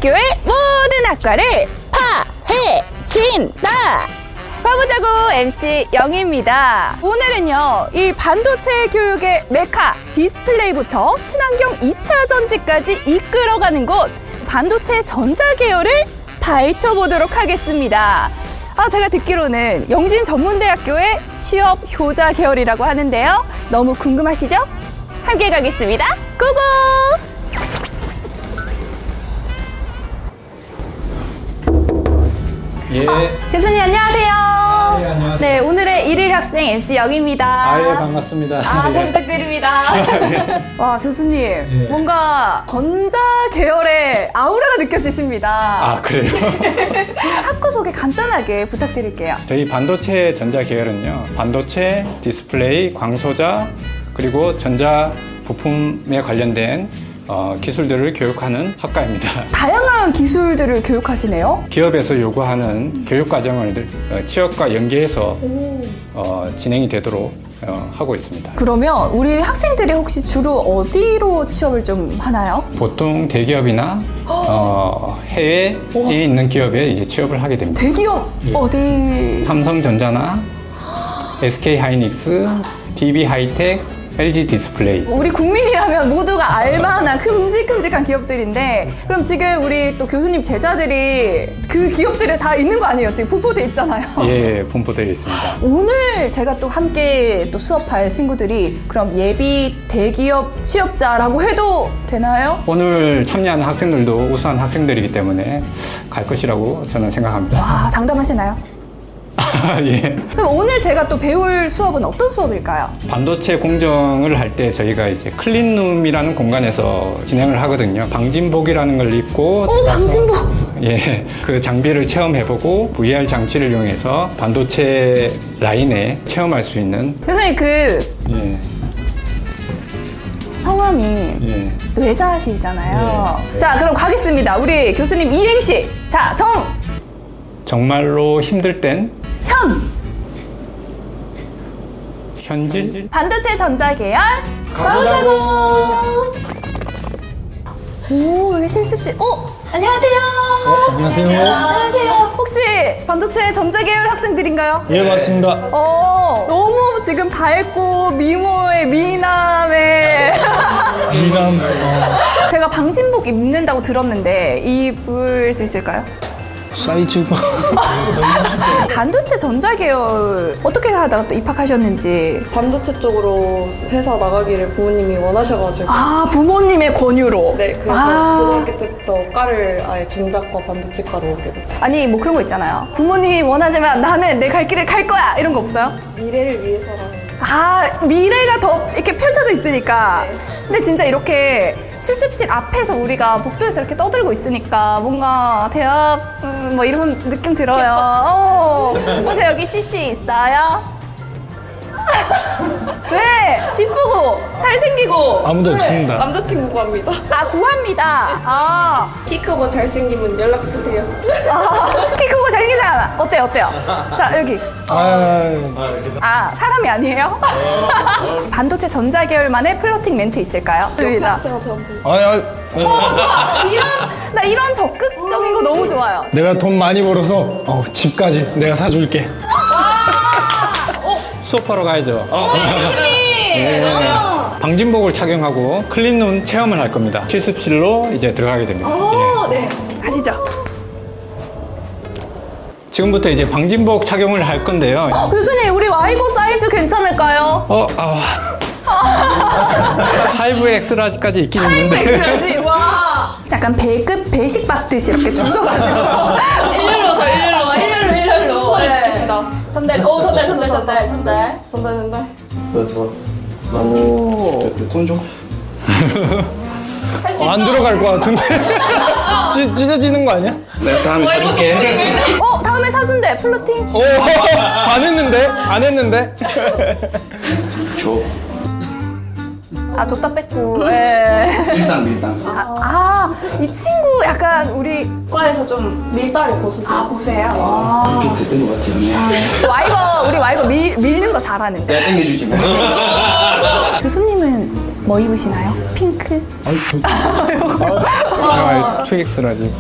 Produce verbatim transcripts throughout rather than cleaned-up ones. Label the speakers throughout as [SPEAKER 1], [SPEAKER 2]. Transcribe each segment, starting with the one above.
[SPEAKER 1] 전문대학교의 모든 학과를 파헤친다. 가보자고 엠씨 영희입니다. 오늘은요, 이 반도체 교육의 메카 디스플레이부터 친환경 이 차 전지까지 이끌어가는 곳 반도체 전자 계열을 파헤쳐 보도록 하겠습니다. 아, 제가 듣기로는 영진 전문대학교의 취업 효자 계열이라고 하는데요. 너무 궁금하시죠? 함께 가겠습니다. 고고!
[SPEAKER 2] 예.
[SPEAKER 1] 어, 교수님 안녕하세요.
[SPEAKER 2] 네, 안녕하세요.
[SPEAKER 1] 네, 오늘의 일일 학생 엠씨 영희입니다.
[SPEAKER 2] 아, 예, 반갑습니다.
[SPEAKER 1] 아, 잘
[SPEAKER 2] 예.
[SPEAKER 1] 부탁드립니다. 와, 교수님,
[SPEAKER 2] 예.
[SPEAKER 1] 뭔가 전자 계열의 아우라가 느껴지십니다.
[SPEAKER 2] 아, 그래요?
[SPEAKER 1] 학과 소개 간단하게 부탁드릴게요.
[SPEAKER 2] 저희 반도체 전자 계열은요, 반도체, 디스플레이, 광소자, 그리고 전자 부품에 관련된 어, 기술들을 교육하는 학과입니다.
[SPEAKER 1] 다양한 기술들을 교육하시네요.
[SPEAKER 2] 기업에서 요구하는 교육 과정을 어, 취업과 연계해서 어, 진행이 되도록 어, 하고 있습니다.
[SPEAKER 1] 그러면 우리 학생들이 혹시 주로 어디로 취업을 좀 하나요?
[SPEAKER 2] 보통 대기업이나 어, 해외에 있는 기업에 이제 취업을 하게 됩니다.
[SPEAKER 1] 대기업 어디?
[SPEAKER 2] 삼성전자나 에스케이하이닉스, 디비하이텍, 엘지 디스플레이.
[SPEAKER 1] 우리 국민이라면 모두가 알만한 큼직큼직한 기업들인데, 그럼 지금 우리 또 교수님 제자들이 그 기업들에 다 있는 거 아니에요? 지금 분포돼 있잖아요.
[SPEAKER 2] 예, 분포되어 있습니다.
[SPEAKER 1] 오늘 제가 또 함께 또 수업할 친구들이 그럼 예비 대기업 취업자라고 해도 되나요?
[SPEAKER 2] 오늘 참여하는 학생들도 우수한 학생들이기 때문에 갈 것이라고 저는 생각합니다.
[SPEAKER 1] 와, 장담하시나요?
[SPEAKER 2] 아, 예.
[SPEAKER 1] 그럼 오늘 제가 또 배울 수업은 어떤 수업일까요?
[SPEAKER 2] 반도체 공정을 할 때 저희가 이제 클린룸이라는 공간에서 진행을 하거든요. 방진복이라는 걸 입고
[SPEAKER 1] 오, 방진복!
[SPEAKER 2] 예, 그 장비를 체험해보고 브이알 장치를 이용해서 반도체 라인에 체험할 수 있는
[SPEAKER 1] 교수님 그
[SPEAKER 2] 예,
[SPEAKER 1] 성함이
[SPEAKER 2] 예.
[SPEAKER 1] 외자시잖아요.
[SPEAKER 2] 네, 네.
[SPEAKER 1] 자, 그럼 가겠습니다. 우리 교수님 이행시. 자, 정,
[SPEAKER 2] 정말로 힘들 땐
[SPEAKER 1] 현.
[SPEAKER 2] 현질
[SPEAKER 1] 반도체 전자 계열 가보자고. 오, 여기 실습실. 오, 안녕하세요.
[SPEAKER 3] 안녕하세요.
[SPEAKER 1] 안녕하세요. 혹시 반도체 전자 계열 학생들인가요?
[SPEAKER 3] 예, 맞습니다.
[SPEAKER 1] 어, 너무 지금 밝고 미모의 미남의
[SPEAKER 3] 미남. 어,
[SPEAKER 1] 제가 방진복 입는다고 들었는데 입을 수 있을까요?
[SPEAKER 3] 사이즈가.
[SPEAKER 1] 반도체 전자 계열 어떻게 하다가 또 입학하셨는지.
[SPEAKER 4] 반도체 쪽으로 회사 나가기를 부모님이 원하셔가지고
[SPEAKER 1] 아, 부모님의 권유로.
[SPEAKER 4] 네, 그래서
[SPEAKER 1] 아.
[SPEAKER 4] 고등학교 때부터 과를 아예 전자과 반도체과로 오게 됐어요.
[SPEAKER 1] 아니, 뭐 그런 거 있잖아요. 부모님이 원하지만 나는 내 갈 길을 갈 거야, 이런 거 없어요?
[SPEAKER 4] 미래를 위해서라는.
[SPEAKER 1] 아, 미래가 더 이렇게 펼쳐져 있으니까.
[SPEAKER 4] 네.
[SPEAKER 1] 근데 진짜 이렇게 실습실 앞에서 우리가 복도에서 이렇게 떠들고 있으니까 뭔가 대학 음, 뭐 이런 느낌 들어요. 어. 혹시 여기 씨씨 있어요? 왜? 이쁘고 잘생기고.
[SPEAKER 3] 아무도 없습니다.
[SPEAKER 4] 남자친구 구합니다.
[SPEAKER 1] 아, 구합니다. 아,
[SPEAKER 4] 키 크고 잘생기면 연락 주세요.
[SPEAKER 1] 아, 키 크고 잘생긴 사람 어때요? 어때요? 자, 여기.
[SPEAKER 3] 아,
[SPEAKER 1] 아, 사람이 아니에요? 반도체 전자 계열만의 플러팅 멘트 있을까요? 좋습니다.
[SPEAKER 4] 학생한테 한번.
[SPEAKER 3] 아, 아, 아,
[SPEAKER 1] 이런, 나 이런 적극적인 거 너무 좋아요.
[SPEAKER 3] 내가 돈 많이 벌어서 어, 집까지 내가 사줄게.
[SPEAKER 2] 수업하러 가야죠.
[SPEAKER 1] 교수님!
[SPEAKER 2] 예. 방진복을 착용하고 클린룸 체험을 할 겁니다. 실습실로 이제 들어가게 됩니다.
[SPEAKER 1] 오,
[SPEAKER 2] 예.
[SPEAKER 1] 네. 가시죠.
[SPEAKER 2] 지금부터 이제 방진복 착용을 할 건데요.
[SPEAKER 1] 교수님, 우리 와이버 사이즈 괜찮을까요?
[SPEAKER 2] 어, 아. 파이브 엑스라지까지 있긴 있는데.
[SPEAKER 1] 그렇지, 와. 약간 배급 배식 받듯이 이렇게 줄 서가지고.
[SPEAKER 4] 일렬로서 일렬로, 일렬로, 일렬로. 순서를
[SPEAKER 1] 네.
[SPEAKER 4] 지킵시다.
[SPEAKER 1] 전달, 오, 전달, 전달, 전달, 전달.
[SPEAKER 4] 전달, 전달.
[SPEAKER 3] 돈 좀. 어, 안 들어갈 것 같은데. 찢, 찢어지는 거 아니야?
[SPEAKER 2] 네, 다음에 사줄게.
[SPEAKER 1] 어, 다음에 사준대, 플러팅.
[SPEAKER 3] 오, 안 했는데? 안 했는데?
[SPEAKER 1] 아, 줬다 뺐고. 예.
[SPEAKER 5] 밀당 밀당.
[SPEAKER 1] 아, 아, 이 친구 약간 우리 과에서 좀
[SPEAKER 4] 밀당의 고수죠.
[SPEAKER 1] 아, 보세요. 아.
[SPEAKER 5] 빅트 뜬것 같아요.
[SPEAKER 1] 와이버, 우리 와이버 밀, 밀는 거 잘하는데.
[SPEAKER 5] 내가 땡겨주지 뭐.
[SPEAKER 1] 교수님은 뭐 입으시나요? 핑크?
[SPEAKER 2] 아, 투엑스라지.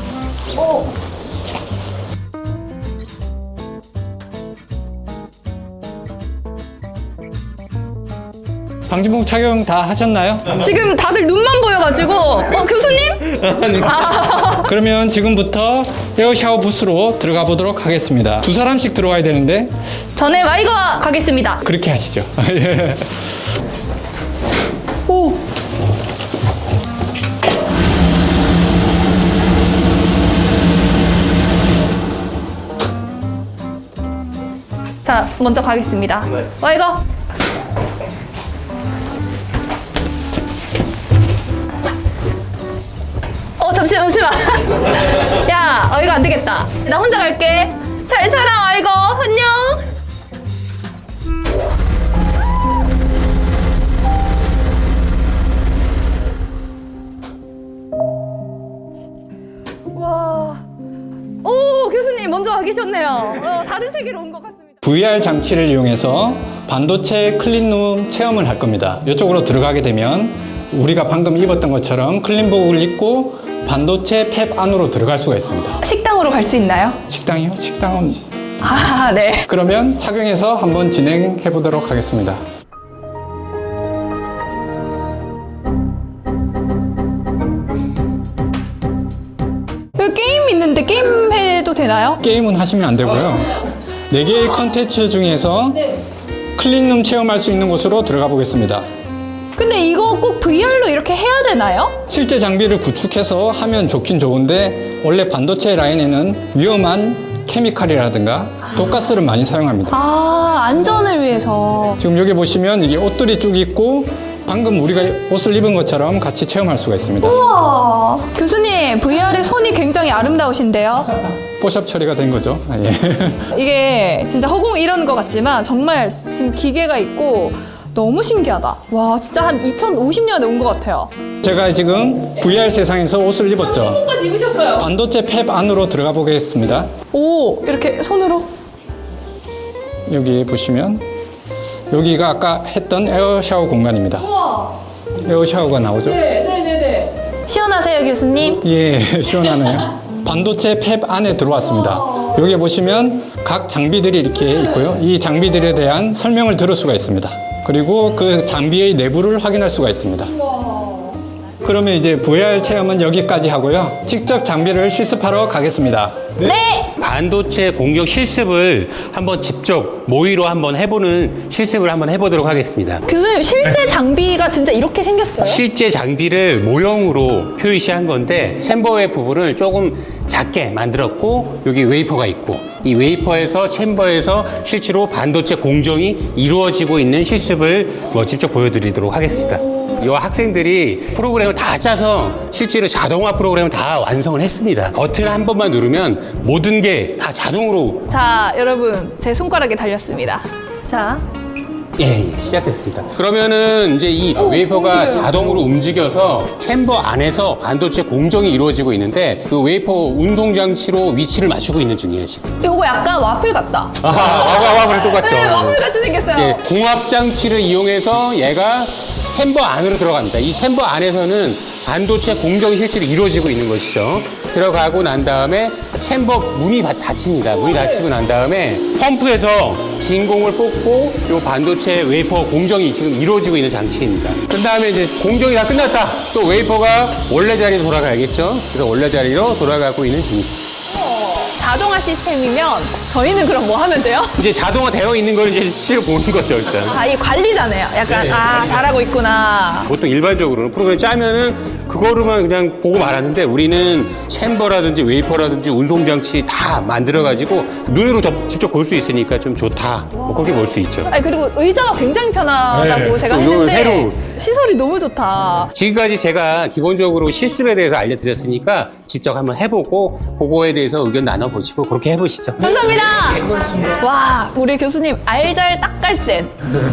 [SPEAKER 2] 방진복 착용 다 하셨나요?
[SPEAKER 1] 지금 다들 눈만 보여가지고 어 교수님? 아,
[SPEAKER 2] 그러면 지금부터 에어 샤워 부스로 들어가 보도록 하겠습니다. 두 사람씩 들어와야 되는데
[SPEAKER 1] 전에 마이거 가겠습니다.
[SPEAKER 2] 그렇게 하시죠. 예.
[SPEAKER 1] 오. 자, 먼저 가겠습니다. 마이거. 어, 잠시만, 잠시만. 야, 어, 이거 안 되겠다. 나 혼자 갈게. 잘 살아, 아이고. 안녕. 와. 오, 교수님 먼저 와 계셨네요. 어, 다른 세계로 온 것 같습니다.
[SPEAKER 2] 브이알 장치를 이용해서 반도체 클린룸 체험을 할 겁니다. 이쪽으로 들어가게 되면 우리가 방금 입었던 것처럼 클린복을 입고 반도체 팹 안으로 들어갈 수가 있습니다.
[SPEAKER 1] 식당으로 갈 수 있나요?
[SPEAKER 2] 식당이요? 식당은
[SPEAKER 1] 아, 네.
[SPEAKER 2] 그러면 착용해서 한번 진행해 보도록 하겠습니다.
[SPEAKER 1] 여기 게임 있는데 게임 해도 되나요?
[SPEAKER 2] 게임은 하시면 안 되고요. 네 개의 컨텐츠 중에서 클린룸 체험할 수 있는 곳으로 들어가 보겠습니다.
[SPEAKER 1] 근데 이거 꼭 브이알로 이렇게 해야 되나요?
[SPEAKER 2] 실제 장비를 구축해서 하면 좋긴 좋은데 원래 반도체 라인에는 위험한 케미칼이라든가 독가스를 많이 사용합니다.
[SPEAKER 1] 아, 안전을 위해서.
[SPEAKER 2] 지금 여기 보시면 이게 옷들이 쭉 있고 방금 우리가 옷을 입은 것처럼 같이 체험할 수가 있습니다.
[SPEAKER 1] 우와. 교수님, 브이알의 손이 굉장히 아름다우신데요?
[SPEAKER 2] 포샵 처리가 된 거죠. 아, 예.
[SPEAKER 1] 이게 진짜 허공 이런 것 같지만 정말 지금 기계가 있고 너무 신기하다. 와, 진짜 한 이천오십 년에 온 것 같아요.
[SPEAKER 2] 제가 지금 브이알 세상에서 옷을 입었죠.
[SPEAKER 1] 까지 입으셨어요.
[SPEAKER 2] 반도체 팹 안으로 들어가 보겠습니다.
[SPEAKER 1] 오, 이렇게 손으로.
[SPEAKER 2] 여기 보시면 여기가 아까 했던 에어 샤워 공간입니다.
[SPEAKER 1] 우와.
[SPEAKER 2] 에어 샤워가 나오죠?
[SPEAKER 1] 네, 네, 네, 네. 시원하세요, 교수님?
[SPEAKER 2] 예, 시원하네요. 반도체 팹 안에 들어왔습니다. 여기 보시면 각 장비들이 이렇게 있고요. 이 장비들에 대한 설명을 들을 수가 있습니다. 그리고 그 장비의 내부를 확인할 수가 있습니다. 그러면 이제 브이알 체험은 여기까지 하고요. 직접 장비를 실습하러 가겠습니다.
[SPEAKER 1] 네.
[SPEAKER 6] 반도체 공격 실습을 한번 직접 모의로 한번 해보는 실습을 한번 해보도록 하겠습니다.
[SPEAKER 1] 교수님, 실제 장비가 진짜 이렇게 생겼어요?
[SPEAKER 6] 실제 장비를 모형으로 표시한 건데 챔버의 부분을 조금 작게 만들었고 여기 웨이퍼가 있고 이 웨이퍼에서 챔버에서 실제로 반도체 공정이 이루어지고 있는 실습을 뭐 직접 보여드리도록 하겠습니다. 이 학생들이 프로그램을 다 짜서 실제로 자동화 프로그램을 다 완성을 했습니다. 버튼 한 번만 누르면 모든 게 다 자동으로
[SPEAKER 1] 자, 여러분, 제 손가락에 달렸습니다. 자,
[SPEAKER 6] 예, 예, 시작됐습니다. 그러면은 이제 이 웨이퍼가
[SPEAKER 1] 움직여요.
[SPEAKER 6] 자동으로 움직여서 챔버 안에서 반도체 공정이 이루어지고 있는데 그 웨이퍼 운송 장치로 위치를 맞추고 있는 중이에요, 지금.
[SPEAKER 1] 요거 약간 와플 같다.
[SPEAKER 6] 아, 와와 와그래 똑같죠.
[SPEAKER 1] 네, 와플 같이 생겼어요.
[SPEAKER 6] 예, 공합 장치를 이용해서 얘가 챔버 안으로 들어갑니다. 이 챔버 안에서는 반도체 공정이 실제로 이루어지고 있는 것이죠. 들어가고 난 다음에 챔버 문이 닫- 닫힙니다. 문이 닫히고 난 다음에 펌프에서 진공을 뽑고 이 반도체 웨이퍼 공정이 지금 이루어지고 있는 장치입니다. 그 다음에 이제 공정이 다 끝났다. 또 웨이퍼가 원래 자리로 돌아가야겠죠. 그래서 원래 자리로 돌아가고 있는 중입니다.
[SPEAKER 1] 자동화 시스템이면 저희는 그럼 뭐 하면 돼요?
[SPEAKER 6] 이제 자동화 되어 있는 걸 이제 실제로 보는 거죠, 일단.
[SPEAKER 1] 아, 이 관리자네요. 약간, 아, 잘하고 있구나.
[SPEAKER 6] 보통 일반적으로는 프로그램 짜면은 그거로만 그냥 보고 말하는데 우리는 챔버라든지 웨이퍼라든지 운송장치 다 만들어가지고 눈으로 접- 직접 볼 수 있으니까 좀 좋다. 뭐 그렇게 볼 수 있죠.
[SPEAKER 1] 아니, 그리고 의자가 굉장히 편하다고
[SPEAKER 6] 네,
[SPEAKER 1] 제가
[SPEAKER 6] 또 이거
[SPEAKER 1] 했는데
[SPEAKER 6] 새로.
[SPEAKER 1] 시설이 너무 좋다.
[SPEAKER 6] 지금까지 제가 기본적으로 실습에 대해서 알려드렸으니까 직접 한번 해보고 그거에 대해서 의견 나눠보시고 그렇게 해보시죠.
[SPEAKER 1] 감사합니다. 와, 우리 교수님 알잘 딱갈센.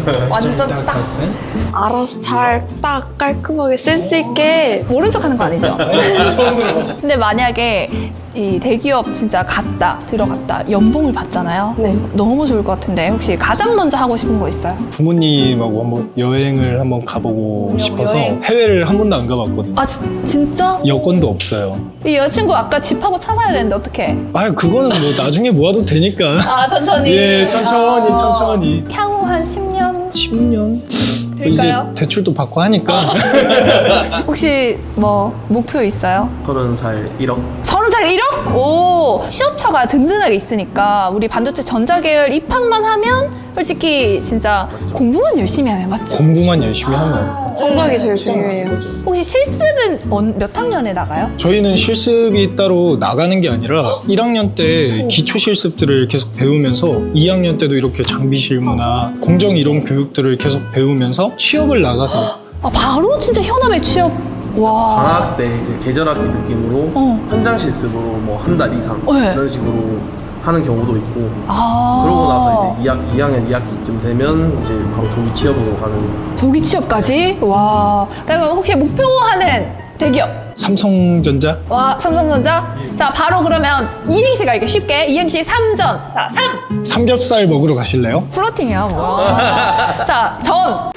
[SPEAKER 1] 완전 딱.
[SPEAKER 4] 알아서 잘 딱 깔끔하게 센스 있게
[SPEAKER 1] 모른 척하는 거 아니죠? 근데 만약에 이 대기업 진짜 갔다 들어갔다 연봉을 받잖아요.
[SPEAKER 4] 네.
[SPEAKER 1] 너무 좋을 것 같은데 혹시 가장 먼저 하고 싶은 거 있어요?
[SPEAKER 3] 부모님하고 한번 여행을 한번 가보고 싶어서
[SPEAKER 1] 여행?
[SPEAKER 3] 해외를 한 번도 안 가봤거든요.
[SPEAKER 1] 아 지- 진짜?
[SPEAKER 3] 여권도 없어요.
[SPEAKER 1] 이 여자친구 아까 집하고 차 사야 되는데 어떡해?
[SPEAKER 3] 아, 그거는 뭐 나중에 모아도 되니까.
[SPEAKER 1] 아 천천히.
[SPEAKER 3] 예, 천천히, 천천히.
[SPEAKER 1] 향후 한 십 년
[SPEAKER 3] 십 년?
[SPEAKER 1] 될까요?
[SPEAKER 3] 이제 대출도 받고 하니까.
[SPEAKER 1] 혹시 뭐 목표 있어요?
[SPEAKER 7] 서른 살 일억.
[SPEAKER 1] 서른 살 일억? 오 취업처가 든든하게 있으니까 우리 반도체 전자계열 입학만 하면 솔직히 진짜 공부만 열심히 하면 맞죠?
[SPEAKER 3] 공부만 열심히 하면.
[SPEAKER 4] 성적이 제일 중요해요.
[SPEAKER 1] 혹시 실습은 언- 몇 학년에 나가요?
[SPEAKER 3] 저희는 실습이 따로 나가는 게 아니라 일 학년 때 기초 실습들을 계속 배우면서 이 학년 때도 이렇게 장비 실무나 공정 이론 교육들을 계속 배우면서 취업을 나가서
[SPEAKER 1] 아 바로 진짜 현업에 취업. 와.
[SPEAKER 7] 방학 때 이제 계절학기 느낌으로
[SPEAKER 1] 어.
[SPEAKER 7] 현장 실습으로 뭐 한 달 이상
[SPEAKER 1] 네.
[SPEAKER 7] 이런 식으로 하는 경우도 있고
[SPEAKER 1] 아.
[SPEAKER 7] 그러고 나서 이제 이 학, 이 학년 이 학기쯤 되면 이제 바로 조기 취업으로 가는.
[SPEAKER 1] 조기 취업까지? 와. 그럼 혹시 목표하는 대기업?
[SPEAKER 3] 삼성전자
[SPEAKER 1] 와 삼성전자? 자 바로 그러면 이행시 갈게 쉽게. 이행시 삼전. 자 삼.
[SPEAKER 3] 삼겹살 먹으러 가실래요?
[SPEAKER 1] 플로팅이야 뭐. 자 전.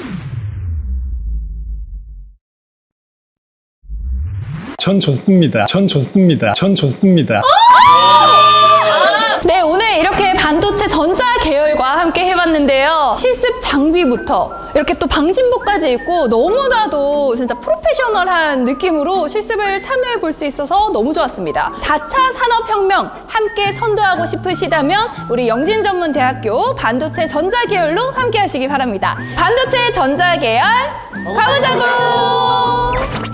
[SPEAKER 3] 전 좋습니다. 전 좋습니다. 전 좋습니다.
[SPEAKER 1] 네, 오늘 이렇게 반도체 전자 계열과 함께 해봤는데요. 실습 장비부터 이렇게 또 방진복까지 있고 너무나도 진짜 프로페셔널한 느낌으로 실습을 참여해 볼 수 있어서 너무 좋았습니다. 사 차 산업혁명 함께 선도하고 싶으시다면 우리 영진전문대학교 반도체 전자 계열로 함께 하시기 바랍니다. 반도체 전자 계열 가보자고!